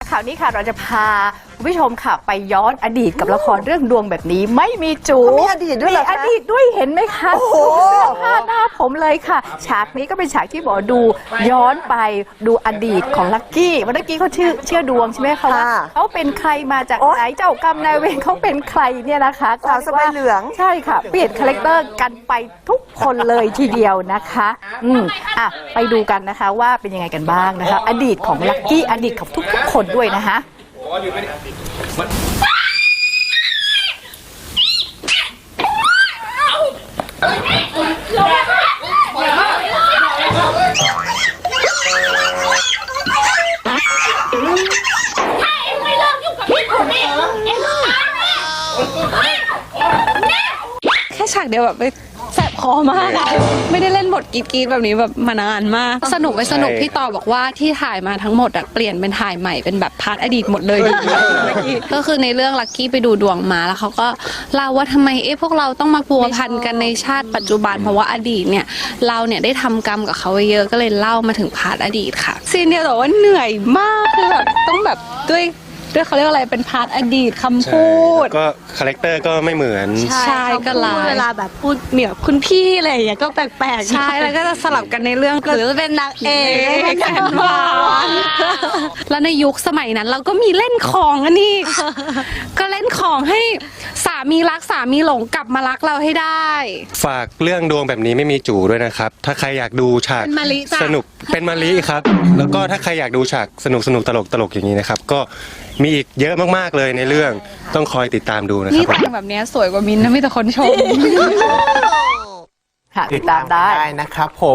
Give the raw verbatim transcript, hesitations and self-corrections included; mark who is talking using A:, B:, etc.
A: ข่าวนี้ค่ะเราจะพาคุณผู้ชมค่ะไปย้อนอดีตกับละครเรื่องดวงแบบนี้ไม่มีจู
B: มีอดีตด้วยเหรอคะ
A: มีอดีตด้วยเห็นไหมคะ
B: โอ้โห
A: เสื้อผ้าหน้าผมเลยค่ะ ฉากนี้ก็เป็นฉากที่หมอดูย้อนไปดูอดีตของลักกี้วันลักกี้เขาชื่อเชื่อดวงใช่ไหมคะว่าเขาเป็นใครมาจากไหนเจ้ากรรมนายเวรเขาเป็นใครเนี่ยนะคะ
B: สาวสบายเหลือง
A: ใช่ค่ะเปลี่ยนคาแรคเตอร์กันไปทุกคนเลยทีเดียวนะคะอืมอ่ะไปดูกันนะคะว่าเป็นยังไงกันบ้างนะคะอดีตของลักกี้อดีตของทุกๆคนด้วยนะคะ
C: แค่ฉากเดียวแบบไปแสบคอมากอะไม่ได้เล่นบทกรีดๆแบบนี้แบบมานานมากสนุกไปสนุกพี่ต่อบอกว่าที่ถ่ายมาทั้งหมดอะเปลี่ยนเป็นถ่ายใหม่เป็นแบบพาร์ทอดีตหมดเลยก็คือในเรื่องลักกี้ไปดูดวงมาแล้วเขาก็เล่าว่าทำไมเอ๊ะพวกเราต้องมาพัวพันกันในชาติปัจจุบันเพราะว่าอดีตเนี่ยเราเนี่ยได้ทำกรรมกับเขาไว้เยอะก็เลยเล่ามาถึงพาร์ทอดีตค่ะซีนเดียวแต่ว่าเหนื่อยมากคือแบบต้องแบบด้วยด้วยเขาเรียกอะไรเป็นพาร์ทอดีตคำพูด
D: ก็คาแรคเตอร์ก็ไม่เหมือน
C: ใช่ก็ลาย
E: เวลาแบบพูดเหมียวคุณพี่อะไรอย่างเงี้ยก็แปลกๆ
C: ใช่แล้วก็จะสลับกันในเรื่อง
E: หรือเป็นนางเอก
C: แอนวานแล้วในยุคสมัยนั้นเราก็มีเล่นของอันนี้ ก็เล่นของให้สามีรักสามีหลงกลับมารักเราให้ได้
D: ฝากเรื่องดวงแบบนี้ไม่มีจู่ด้วยนะครับ ถ้าใครอยากดูฉาก
C: เป็นมะลิจ้ะ
D: สนุกเป็นมะลิครับ แล้วก็ถ้าใครอยากดูฉากสนุกสนุกตลกตลกอย่างนี้นะครับ ก็มีอีกเยอะมากๆเลยในเรื่องต้องคอยติดตามดูนะค
C: นี่
D: รับ
C: แต่งแบบเนี้ยสวยกว่ามินนะมีแต่คนชม
A: ค่ะติดตามได้
B: ได้นะครับผม